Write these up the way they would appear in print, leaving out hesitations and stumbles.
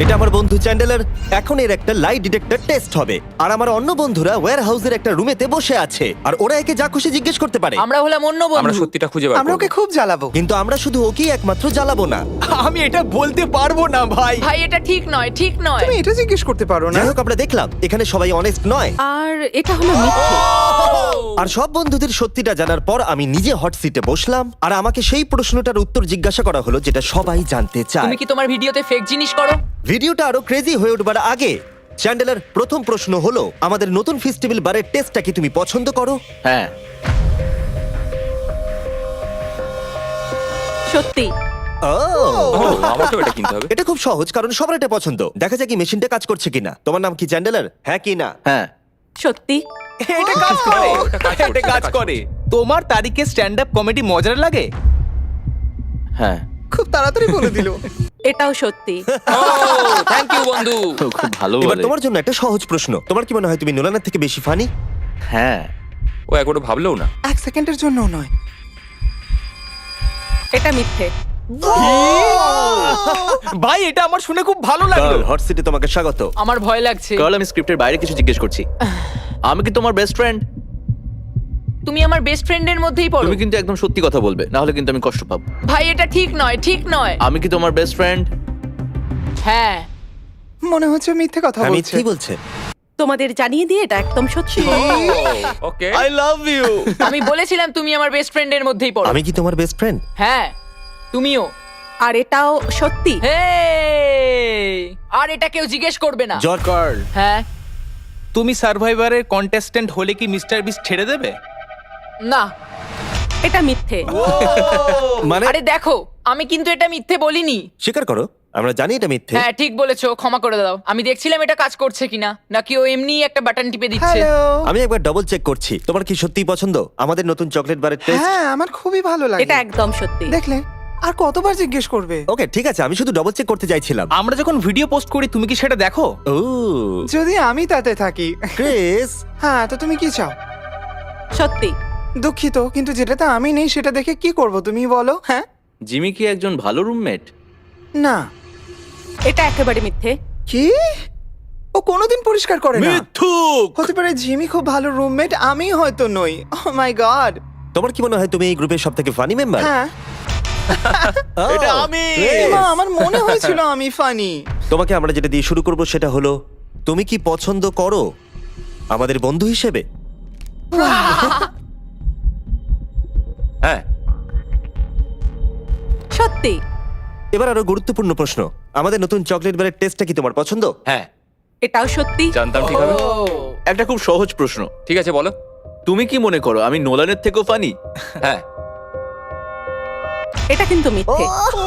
এটা আমার বন্ধু চ্যান্ডেলার। এখন এর একটা লাই ডিটেক্টর টেস্ট হবে, আর আমার অন্য বন্ধুরা ওয়্যার হাউসের একটা রুমেতে বসে আছে, আর ওরা একে যা খুশি জিজ্ঞেস করতে পারে। আমরা হলাম অন্য আমরা বন্ধু। সত্যিটা খুঁজে বার আমরা করব। ওকে খুব জ্বালাবো। কিন্তু আমরা শুধু ওকেই একমাত্র জ্বালাবো না। আমি এটা বলতে পারবো না ভাই। ভাই এটা ঠিক নয়, ঠিক নয়। তুমি এটা জিজ্ঞেস করতে পারো না। যাই হোক, আমরা দেখলাম এখানে সবাই অনেস্ট নয়, আর এটা হলো মিথ্যে। আর সব বন্ধুদের সত্যিটা জানার পর আমি নিজে হট সিটে বসলাম, আর আমাকে সেই প্রশ্নটার উত্তর জিজ্ঞাসা করা হলো যেটা সবাই জানতে চায়। তুমি কি তোমার ভিডিওতে ফেক জিনিস করো? ভিডিওটা আরো ক্রেজি হয়ে উঠবার আগে চ্যান্ডেলার, প্রথম প্রশ্ন হলো আমাদের নতুন ফেস্টিভ্যাল বারের টেস্টটা কি তুমি পছন্দ করো? হ্যাঁ, সত্যি। ও, আমাকেও এটা কিনতে হবে। এটা খুব সহজ, কারণ সবার এটা পছন্দ। দেখা যাক কি মেশিনটা কাজ করছে কিনা। তোমার নাম কি চ্যান্ডেলার? হ্যাঁ কি না? হ্যাঁ, সত্যি। এটা কাজ করে। ওটা কাজ করছে, এটা কাজ কাজ করে। তোমার তারিখে স্ট্যান্ড আপ কমেডি মজার লাগে? হ্যাঁ, খুব তাড়াতাড়ি বলে দিল। এটাও সত্যি। থ্যাংক ইউ বন্ধু। খুব ভালো এবার বলে। তোমার জন্য একটা সহজ প্রশ্ন। তোমার কি মনে হয় তুমি নোলানের থেকে বেশি ফানি? হ্যাঁ, ও একবারও ভাবলেও না। এক সেকেন্ডের জন্যও নয়। এটা মিথ্যে। ভাই এটা আমার শুনে খুব ভালো লাগলো। হট সিটে তোমাকে স্বাগত। আমার ভয় লাগছে। কারণ আমি স্ক্রিপ্টের বাইরে কিছু জিজ্ঞেস করছি। আমি কি তোমার বেস্ট ফ্রেন্ড? তুমি আমার বেস্ট ফ্রেন্ডের মধ্যেই পড়ো। তুমি কিন্তু একদম সত্যি কথা বলবে, না হলে কিন্তু আমি কষ্ট পাবো। ভাই এটা ঠিক নয়, ঠিক নয়। আমি কি তোমার বেস্ট ফ্রেন্ড? হ্যাঁ। মনে হচ্ছে মিথ্যে কথা আমি বলছে। কি বলছে? তোমাদের জানিয়ে দিয়ে এটা একদম সত্যি। ওকে। I love you. আমি বলেছিলাম তুমি আমার বেস্ট ফ্রেন্ডের মধ্যেই পড়ো। আমি কি তোমার বেস্ট ফ্রেন্ড? হ্যাঁ, তুমিও। আর এটাও সত্যি। হেই! আর এটা কেউ জিজ্ঞেস করবে না। জর্জ, কার্ল, হ্যাঁ। তুমি সার্ভাইভারের কন্টেস্ট্যান্ট হলে কি মিস্টার বিস্ট ছেড়ে দেবে? না। এটা মিথ্যে। মানে আরে দেখো, আমি কিন্তু এটা মিথ্যে বলিনি। স্বীকার করো, আমরা জানি এটা মিথ্যে। হ্যাঁ ঠিক বলেছো, ক্ষমা করে দাও। আমি দেখছিলাম এটা কাজ করছে কিনা, নাকি ও এমনি একটা বাটন টিপে দিচ্ছে। হ্যালো। আমি একবার ডবল চেক করছি। তোমার কি সত্যিই পছন্দ আমাদের নতুন চকলেট বারের টেস্ট? হ্যাঁ, আমার খুবই ভালো লাগে। এটা একদম সত্যি। দেখলে, আর কতবার জিজ্ঞেস করবে? ওকে ঠিক আছে, আমি শুধু ডবল চেক করতে চাইছিলাম। আমরা যখন ভিডিও পোস্ট করি তুমি কি সেটা দেখো? ও যদি আমি তাতে থাকি। ক্রিস, হ্যাঁ, তো তুমি কি চাও? সত্যি। দুঃখিত, কিন্তু যেটাতে আমি নেই সেটা দেখে কি করব তুমি বলো? হ্যাঁ, জিমি কি একজন ভালো রুমমেট? না। এটা একেবারে মিথ্যে। কি? ও কোনোদিন পরিষ্কার করে না। মিথ্যুক। হতে পারে জিমি খুব ভালো রুমমেট, আমি হয়তো নই। Oh my god. তোমার কি মনে হয় তুমি এই গ্রুপের সবথেকে ফানি মেম্বার? হ্যাঁ, এটা আমি। এমা, আমার মনে হয়েছিল আমি ফানি। তোমাকে আমরা যেটা দিয়ে শুরু করব সেটা হলো, তুমি কি পছন্দ করো আমাদের বন্ধু হিসেবে? হ্যাঁ। সত্যি। এবার আরো গুরুত্বপূর্ণ প্রশ্ন, আমাদের নতুন চকলেট বারের টেস্টটা কি তোমার পছন্দ? হ্যাঁ, এটাও সত্যি। জানতাম ঠিক হবে। একটা খুব সহজ প্রশ্ন। ঠিক আছে বলো। তুমি কি মনে করো আমি নোলানের থেকেও ফানি? হ্যাঁ। এটা কিন্তু মিথ্যে।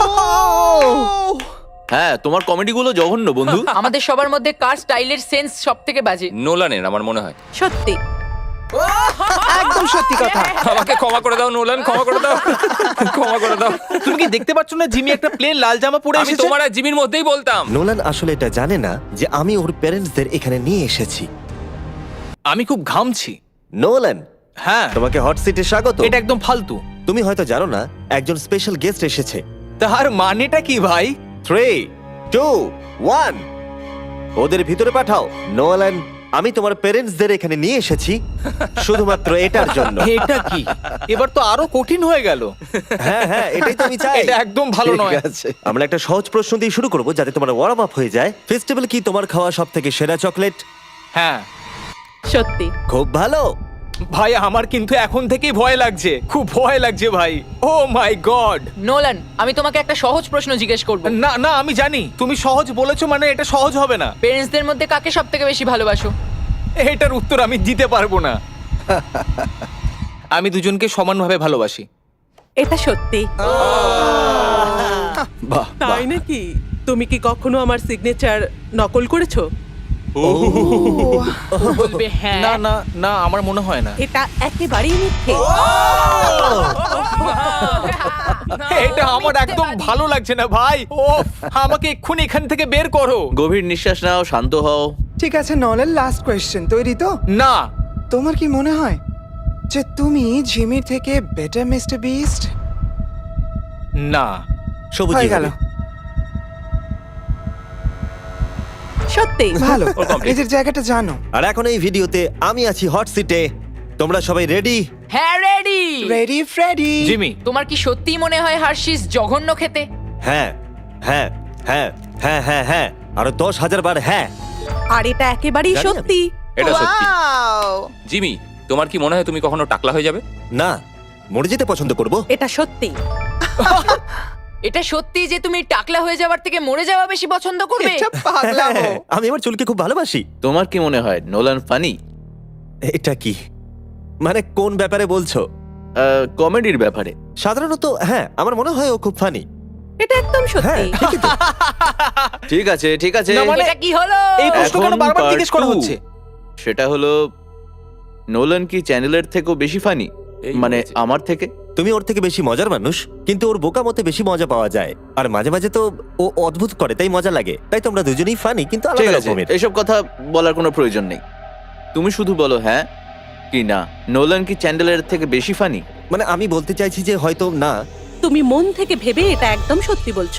হ্যাঁ, তোমার কমেডিগুলো জঘন্য বন্ধু। আমাদের সবার মধ্যে কার স্টাইলের সেন্স সব থেকে বাজে? নোলানের আমার মনে হয়। সত্যি। একদম সত্যি কথা। আমাকে ক্ষমা করে দাও নোলান, ক্ষমা করে দাও। ক্ষমা করে দাও। তুমি কি দেখতে পাচ্ছ না জিমি একটা প্লেন লাল জামা পরে আমি এসেছে? তোমার আর জিমির মধ্যেই বলতাম। নোলান আসলে এটা জানে না যে আমি ওর প্যারেন্টসদের এখানে নিয়ে এসেছি। আমি খুব ঘামছি। নোলান, হ্যাঁ, তোমাকে হট সিটে স্বাগত। এটা একদম ফালতু। তুমি হয়তো জানো না একজন স্পেশাল গেস্ট এসেছে। তার মানেটা কি ভাই? 3, 2, 1 ওদের ভিতরে পাঠাও। নোলান, আমি তোমার প্যারেন্টসদের এখানে নিয়ে এসেছি শুধুমাত্র এটার জন্য। এটা কি? এবার তো আরো কঠিন হয়ে গেল। হ্যাঁ হ্যাঁ, এটাই তো আমি চাই। এটা একদম ভালো ঠিক নয়। আছে, আমরা একটা সহজ প্রশ্ন দিয়ে শুরু করব যাতে তোমার ওয়ার্ম আপ হয়ে যায়। ফেস্টিভ্যাল কি তোমার খাওয়া সবথেকে সেরা চকলেট? হ্যাঁ সত্যি। খুব ভালো। ভাই, আমার কিন্তু এখন থেকেই ভয় লাগছে, খুব ভয় লাগছে ভাই। ও মাই গড। নোলান, আমি তোমাকে একটা সহজ প্রশ্ন জিজ্ঞেস করব। না না, আমি জানি তুমি সহজ বলেছো মানে এটা সহজ হবে না। পেরেন্টসদের মধ্যে কাকে সব থেকে বেশি ভালোবাসো? এটার উত্তর আমি দিতে পারবো না। আমি দুজনকে সমানভাবে ভালোবাসি। এটা সত্যি। বাহ, তাই নাকি? তুমি কি কখনো আমার সিগনেচার নকল করেছো? বলবে হ্যাঁ। না না না, আমার মনে হয় না। এটা একেবারেই মিথ্যে। এটা আমার একদম ভালো লাগছে না ভাই। ও, আমাকে এক্ষুনি এখান থেকে বের করো। গভীর নিঃশ্বাস নাও, শান্ত হও। ঠিক আছে, নলের লাস্ট কোয়েশ্চেন, তৈরি তো? না। তোমার কি মনে হয় যে তুমি জিমির থেকে বেটার মিস্টার বিস্ট? না। সবুজ হয়ে গেল। সত্যি ভালো ওর complete। নিজের জায়গাটা জানো। আর এখন এই ভিডিওতে আমি আছি হট সিটে। তোমরা সবাই রেডি? হ্যাঁ রেডি। Ready Freddie. জিমি, তোমার কি সত্যিই মনে হয় হার্শিস জঘন্য খেতে? হ্যাঁ হ্যাঁ হ্যাঁ হ্যাঁ হ্যাঁ হ্যাঁ আরো 10,000 বার হ্যাঁ। আর এটা একেবারেই জানি আমি। সত্যি। এটা সত্যি। Wow! জিমি, তোমার কি মনে হয় তুমি কখনো টাকলা হয়ে যাবে? না, মরে যেতে পছন্দ করব। এটা সত্যি। এটা সত্যি যে তুমি টাকলা হয়ে যাওয়ার থেকে মরে যাওয়া বেশি পছন্দ করবে? এটা পাগলামো। আমি আমার চুলকে খুব ভালোবাসি। তোমার কি মনে হয় নোলান ফানি? এটা কি মানে কোন ব্যাপারে বলছো? কমেডির ব্যাপারে। সাধারণত হ্যাঁ, আমার মনে হয় ও খুব ফানি। এটা একদম হ্যাঁ সত্যি। ঠিকই তো। ঠিক আছে ঠিক আছে, না, মানে- এটা কি হলো? এই প্রশ্ন কেন এখন বারবার part জিজ্ঞেস করা 2 হচ্ছে? সেটা হলো নোলান কি চ্যানেলের থেকেও বেশি ফানি? এই মানে হয়েছে। আমার থেকে? তুমি ওর থেকে বেশি মজার মানুষ, কিন্তু ওর বোকা মতে বেশি মজা পাওয়া যায়। আর মাঝে মাঝে তো ও অদ্ভুত করে, তাই মজা লাগে। তাই তোমরা দুজনেই ফানি, কিন্তু ঠিক আলাদা আছে, রকমের। এসব কথা বলার কোনো প্রয়োজন নেই। তুমি শুধু বলো হ্যাঁ কি না, নোলান কি চ্যান্ডেলের থেকে বেশি ফানি? মানে আমি বলতে চাইছি যে হয়তো না। তুমি মন থেকে ভেবে এটা একদম সত্যি বলছো।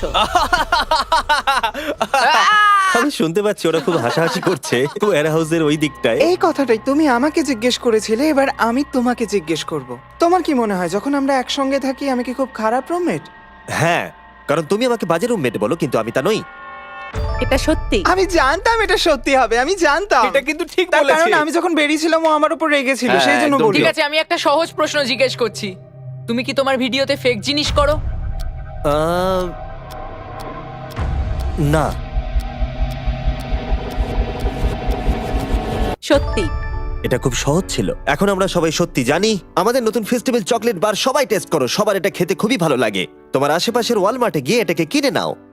আমি শুনতে পাচ্ছি ওরা খুব হাসাহাসি করছে ওয়্যার হাউসের ওই দিকটায়। এই কথাটাই তুমি আমাকে জিজ্ঞেস করেছিলে, এবার আমি তোমাকে জিজ্ঞেস করব। তোমার কি মনে হয় যখন আমরা একসঙ্গে থাকি আমি কি খুব খারাপ রুমমেট? হ্যাঁ, কারণ তুমি আমাকে বাজে রুমমেট বলো, কিন্তু আমি তা নই। এটা সত্যি। আমি জানতাম এটা সত্যি হবে, আমি জানতাম। এটা কিন্তু ঠিক তার বলেছে। কারণ আমি যখন বেরিয়েছিলাম ও আমার উপর রেগেছিল, হ্যাঁ, সেই জন্য একদম বললো। ঠিক আছে, আমি একটা সহজ প্রশ্ন জিজ্ঞেস করছি। তুমি কি তোমার ভিডিওতে ফেক জিনিস করো? আহ, না। সত্যি। এটা খুব সহজ ছিল। এখন আমরা সবাই সত্যি জানি। আমাদের নতুন ফেস্টিভ্যাল চকলেট বার সবাই টেস্ট করো, সবার এটা খেতে খুবই ভালো লাগে। তোমার আশেপাশের ওয়ালমার্টে গিয়ে এটাকে কিনে নাও।